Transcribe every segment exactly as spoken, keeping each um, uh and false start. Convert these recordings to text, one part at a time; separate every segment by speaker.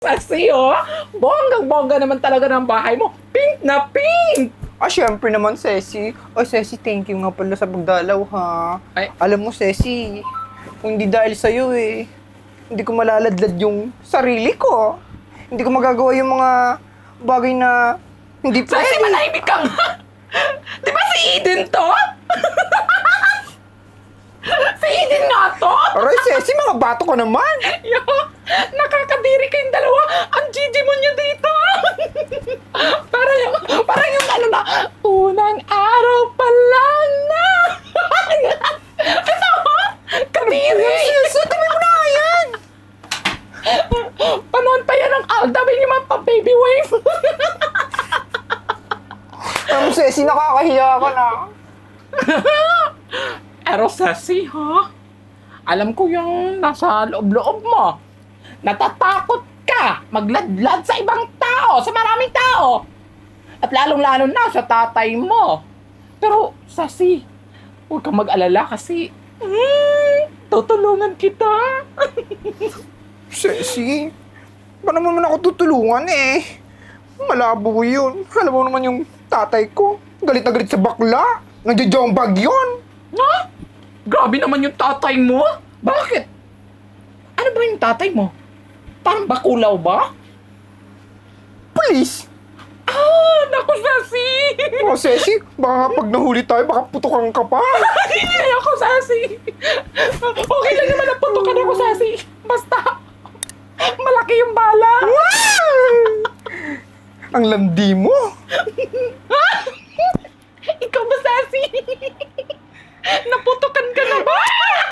Speaker 1: Kasi oh, bonggang-bongga naman talaga ng bahay mo. Pink na pink!
Speaker 2: Ah, syempre naman, Ceci. Oh, Ceci, thank you nga pala sa pagdalaw, ha?
Speaker 1: Ay.
Speaker 2: Alam mo, Ceci, kung hindi dahil sa'yo, eh, hindi ko malaladlad yung sarili ko. Hindi ko magagawa yung mga bagay na hindi pa...
Speaker 1: Kasi manahimik ka nga! Di ba si Eden to? Si Eden nga to?
Speaker 2: Aray, Ceci, mga bato ko naman.
Speaker 1: Yo, nakakadiri kayong dalawa. Ang Gigi mo nyo dito. Para yung, para yung ano na, unang araw pa lang na. Ano? Kadiri.
Speaker 2: Ceci, dami mo na yan.
Speaker 1: Panoon pa yan ang Alda. May naman pa baby wave.
Speaker 2: Alam mo, Ceci, nakakahiya ka na.
Speaker 1: Pero Ceci, ha? Alam ko yung nasa loob-loob mo. Natatakot ka magladlad sa ibang tao, sa maraming tao. At lalong-lalo na sa tatay mo. Pero, Ceci, huwag kang mag-alala kasi hmm, tutulungan kita.
Speaker 2: Ceci, ba naman ako tutulungan, eh? Malabo yun. Alam mo naman yung tatay ko. Galit na galit sa bakla. Nagja-jombag yun.
Speaker 1: Ha? Grabe naman yung tatay mo. Bakit? Ano ba yung tatay mo? Parang bakulaw ba?
Speaker 2: Please.
Speaker 1: Ah, naku, Ceci!
Speaker 2: Oh, Ceci, baka pag nahuli tayo, baka putukan ka pa.
Speaker 1: Ay, ako, Ceci! Okay lang naman ang putukan ako, Ceci. Basta, malaki yung bala.
Speaker 2: Ang landi mo.
Speaker 1: Ikaw ba, Ceci? Naputukan ka na ba?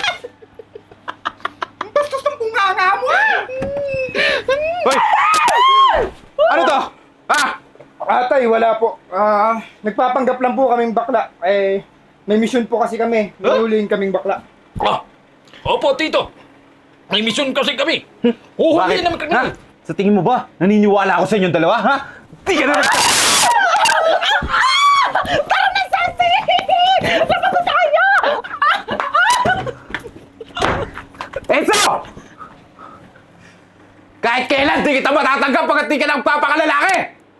Speaker 2: Bastos ng bunganga mo.
Speaker 3: Hoy! Ano to? Ha?
Speaker 2: Atay, wala po. Ah, nagpapanggap lang po kaming bakla. Eh, may mission po kasi kami. Hinulihin kaming bakla.
Speaker 4: Ah, opo, Tito. May mission kasi kami. Huhulihin naman kami.
Speaker 3: Ha? Sa tingin mo ba, naniniwala ako sa inyong dalawa, ha? Di ka na nag...
Speaker 1: Tara na, Ceci! Laban na tayo!
Speaker 3: Enzo! Kahit kailan, di kita matatanggap pagkat di ka nagpapakalalaki!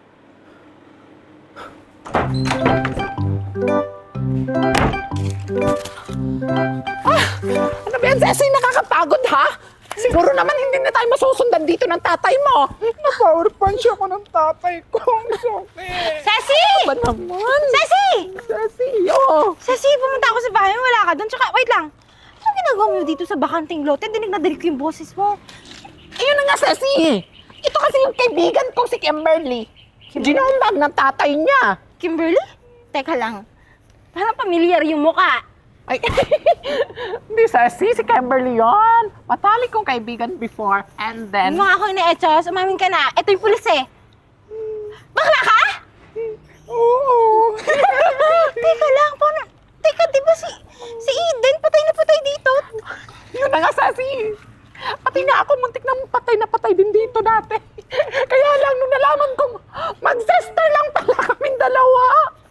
Speaker 1: Ano ba yan, Ceci? Nakakapagod, ha? Siguro naman hindi na tayo masusundan dito ng tatay mo.
Speaker 2: Na-power punch ako ng tatay ko. Ang sakit.
Speaker 5: Ceci!
Speaker 1: Ba naman?
Speaker 5: Ceci!
Speaker 1: Ceci, oh.
Speaker 5: Ceci, pumunta ako sa bahay mo, wala ka doon. Tsaka, wait lang. Anong ginagawa mo dito sa bakanting lote? Dinig na dinig ko yung boses mo.
Speaker 1: Ayun na nga, Ceci. Ito kasi yung kaibigan ko, si Kimberly. Ginumbag ng tatay niya.
Speaker 5: Kimberly? Teka lang. Parang pamilyar yung muka.
Speaker 1: Ay, hindi, Ceci. Si Kimberly yon. Matalik kong kaibigan before. And then...
Speaker 5: Yung mga ako ina-echos, umamin ka na. Ito yung pulis eh. Bakla ka?
Speaker 2: Oo.
Speaker 5: Teka lang, paano? Teka, di ba si, si Eden patay na patay dito?
Speaker 1: Yun na nga, Ceci. Pati nga ako, muntik na patay na patay din dito dati. Kaya lang, nung nalaman kong mag-sister lang pala kaming dalawa.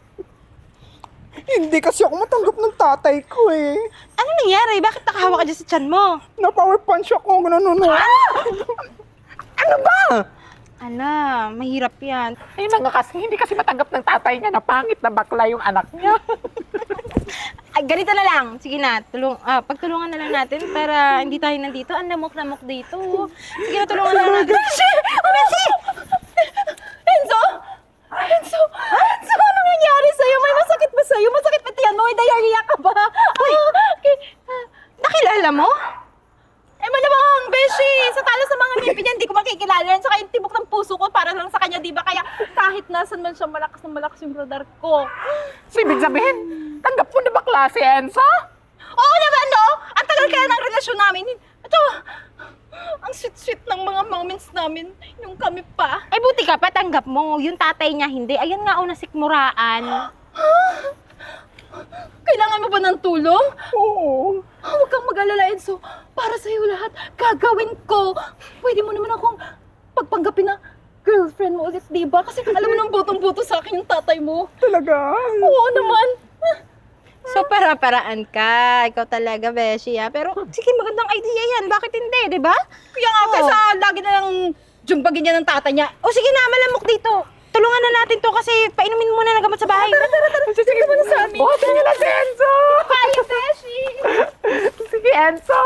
Speaker 2: Hindi kasi ako matanggap ng tatay ko, eh.
Speaker 5: Ano nangyari? Bakit nakahawa ka dyan sa tiyan mo?
Speaker 2: Na-power punch ako. Ganun, ano.
Speaker 1: Ano ba?
Speaker 5: Ano, mahirap yan.
Speaker 1: Ayun na nga kasi, hindi kasi matanggap ng tatay niya na pangit na bakla yung anak niya.
Speaker 5: Ay, ganito na lang. Sige na, tulong, ah, pagtulungan na lang natin para hindi tayo nandito. Ang lamok-lamok dito. Sige na, tulungan na lang natin. Beshi! Oh, Beshi! Enzo! Enzo! Enzo, ano nangyari sa'yo? May masakit ba sa'yo? Masakit ba tiyan mo? May diarrhea ka ba? Uy! Okay. Nakilala mo? Eh, malamang, Beshi! Sa talo sa mga ngipin niya, hindi ko makikilala yan. Saka yung tibok ng puso ko para lang sa kanya, di ba? Kaya kahit nasan man siya, malakas na malakas yung radar ko.
Speaker 1: So, ibig sabihin, tanggap mo na ba klase, Enzo?
Speaker 5: Oo naman, no? Ang tagal kaya ng relasyon namin. Ito, ang sweet-sweet ng mga moments namin yung kami pa. Eh, buti ka pa, tanggap mo. Yung tatay niya, hindi. Ayun nga, una sikmuraan. Kailangan mo ba ng tulong?
Speaker 2: Oo.
Speaker 5: Huwag kang mag-alala, Enzo. Para sa'yo lahat, gagawin ko. Pwede mo naman akong pagpanggapin na girlfriend mo ulit, di ba? Kasi alam mo nang butong-buto sa akin yung tatay mo.
Speaker 2: Talaga?
Speaker 5: Oo naman. So, para-paraan ka. Ikaw talaga, Beshi, ha? Pero, sige, magandang idea yan. Bakit hindi, di ba? Kaya nga,
Speaker 1: Oo.
Speaker 5: kaysa lagi na lang jumbagin niya ng tata niya. O sige na, malamok dito. Tulungan na natin to kasi painumin muna ng gamot sa bahay. Tara, tara, tara.
Speaker 1: Sige mo na sa amin. Buhatin niyo na si Enzo!
Speaker 5: Kaya, Beshi!
Speaker 1: Sige, Enzo!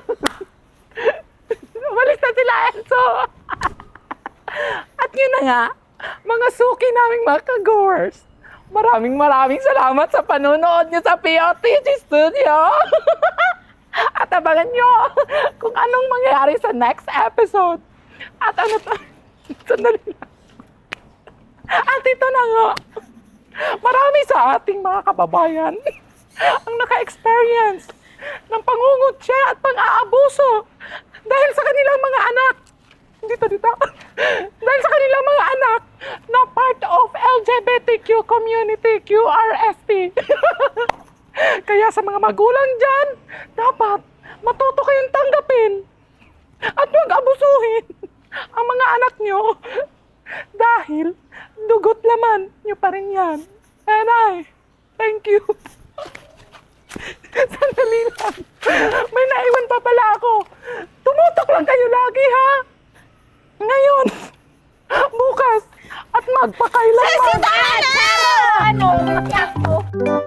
Speaker 1: Umalis na sila, Enzo! At yun na nga, mga suki naming mga ka-goers. Maraming maraming salamat sa panonood niyo sa P O T G Studio. At abangan niyo kung anong mangyayari sa next episode. At ano to? Sandali lang. At ito na nga. Marami sa ating mga kababayan ang naka-experience ng pangungutya at pang-aabuso dahil sa kanilang mga anak. Dito, dito. Dahil sa kanilang mga anak na part of L G B T Q community, Q R S T. Kaya sa mga magulang dyan, dapat matuto kayong tanggapin at huwag abusuhin ang mga anak nyo dahil dugot laman nyo pa rin yan. And I, thank you. Sandali lang. May naiwan pa pala ako. Tumutok lang kayo lagi, ha? Ngayon, bukas, at magpakailanman.
Speaker 5: Ano? Ano?